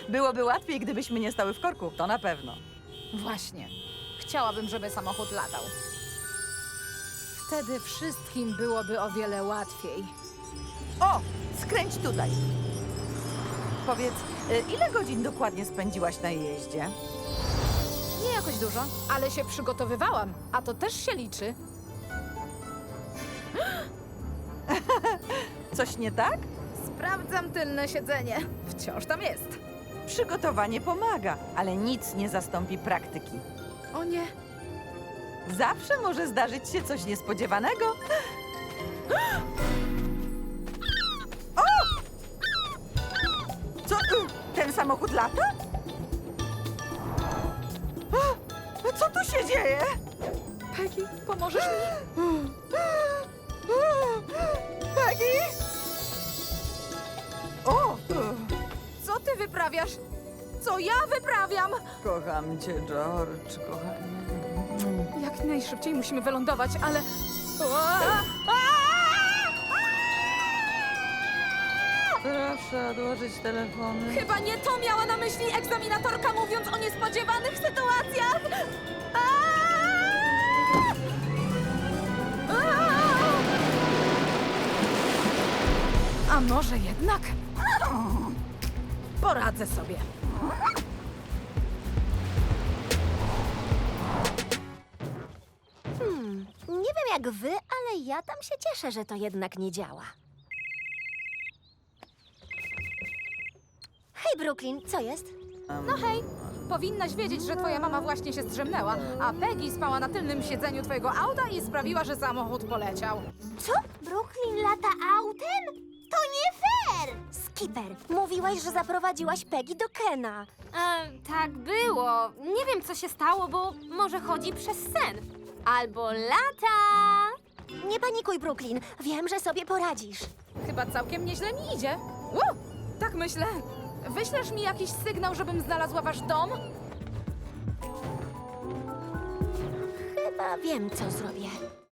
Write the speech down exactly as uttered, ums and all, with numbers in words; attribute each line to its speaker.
Speaker 1: Byłoby łatwiej, gdybyśmy nie stały w korku, to na pewno.
Speaker 2: Właśnie. Chciałabym, żeby samochód latał. Wtedy wszystkim byłoby o wiele łatwiej.
Speaker 1: O, skręć tutaj. Powiedz, y, ile godzin dokładnie spędziłaś na jeździe?
Speaker 2: Nie jakoś dużo, ale się przygotowywałam, a to też się liczy.
Speaker 1: Coś nie tak?
Speaker 2: Sprawdzam tylne siedzenie. Wciąż tam jest.
Speaker 1: Przygotowanie pomaga, ale nic nie zastąpi praktyki.
Speaker 2: O nie.
Speaker 1: Zawsze może zdarzyć się coś niespodziewanego. O! Co? y, Ten samochód lata? A, Co tu się dzieje?
Speaker 2: Peggy, pomożesz mi?
Speaker 1: Peggy? O!
Speaker 2: Co ty wyprawiasz? Co ja wyprawiam?
Speaker 1: Kocham cię, George, kochanie.
Speaker 2: Jak najszybciej musimy wylądować, ale...
Speaker 1: Proszę odłożyć telefony.
Speaker 2: Chyba nie to miała na myśli egzaminatorka, mówiąc o niespodziewanych sytuacjach! A może jednak? Poradzę sobie.
Speaker 3: Hmm, nie wiem jak wy, ale ja tam się cieszę, że to jednak nie działa. Hej, Brooklyn, co jest?
Speaker 2: No hej, powinnaś wiedzieć, że twoja mama właśnie się zdrzemnęła, a Peggy spała na tylnym siedzeniu twojego auta i sprawiła, że samochód poleciał.
Speaker 3: Co? Brooklyn lata autem? To nie fair! Skipper, mówiłaś, że zaprowadziłaś Peggy do Kena.
Speaker 4: E, tak było. Nie wiem, co się stało, bo może chodzi przez sen. Albo lata.
Speaker 3: Nie panikuj, Brooklyn. Wiem, że sobie poradzisz.
Speaker 2: Chyba całkiem nieźle mi idzie. Uu, tak myślę. Wyślesz mi jakiś sygnał, żebym znalazła wasz dom?
Speaker 3: Chyba wiem, co zrobię.